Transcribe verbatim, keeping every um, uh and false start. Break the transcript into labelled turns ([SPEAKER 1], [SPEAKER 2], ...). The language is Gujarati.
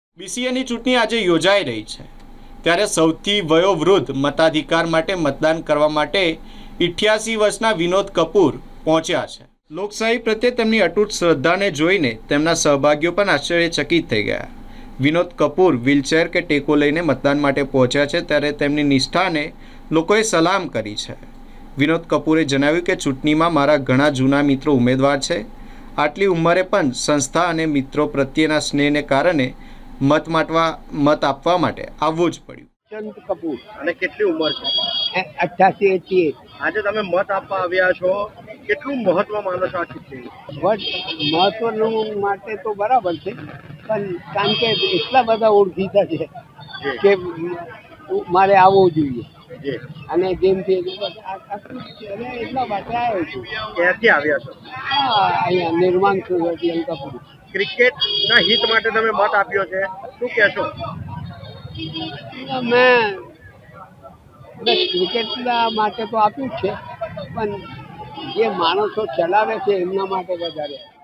[SPEAKER 1] બીસીએની ચૂંટણી આજે યોજાઈ રહી છે ત્યારે સૌથી વયોવૃદ્ધ મતાધિકાર માટે મતદાન કરવા માટે અઠ્યાસી વર્ષના વિનોદ કપૂર પહોંચ્યા છે। લોકશાહી પ્રત્યે તેમની અતૂટ શ્રદ્ધાને જોઈને તેમના સહભાગીઓ પણ આશ્ચર્યચકિત થઈ ગયા। વિનોદ કપૂર વ્હીલચેર કે ટેકો લઈને મતદાન માટે પહોંચ્યા છે ત્યારે તેમની નિષ્ઠાને લોકોએ સલામ કરી છે। વિનોદ કપૂરે જણાવ્યું કે ચૂંટણીમાં મારા ઘણા જૂના મિત્રો ઉમેદવાર છે। આટલી ઉંમરે પણ સંસ્થા અને મિત્રો પ્રત્યેના સ્નેહને કારણે મત માટવા મત આપવા માટે આવવું જ પડ્યું।
[SPEAKER 2] ચંદ કપૂર
[SPEAKER 3] અને કેટલી ઉંમર છે?
[SPEAKER 2] અઠ્યાસી એટી
[SPEAKER 3] આજે તમે મત આપવા આવ્યા છો, કેટલું મહત્વ માનો છો આ ચૂંટણી?
[SPEAKER 2] વટ મહત્વનું માટે તો બરાબર છે, પણ કારણ કે એટલા બધા ઓળખીતા છે કે મારે આવવું જોઈએ
[SPEAKER 3] જી
[SPEAKER 2] અને જેમથી એટલા માટે આવ્યો છું।
[SPEAKER 3] ક્યાંથી આવ્યા છો?
[SPEAKER 2] હા, અહીંયા નિર્માણ સોસાયટી અંકાપુર।
[SPEAKER 3] ક્રિકેટના હિત માટે તમે મત આપ્યો છે, શું કહેશો?
[SPEAKER 2] મેં ક્રિકેટના માટે તો આપ્યું જ છે, પણ જે માણસો ચલાવે છે એમના માટે વધારે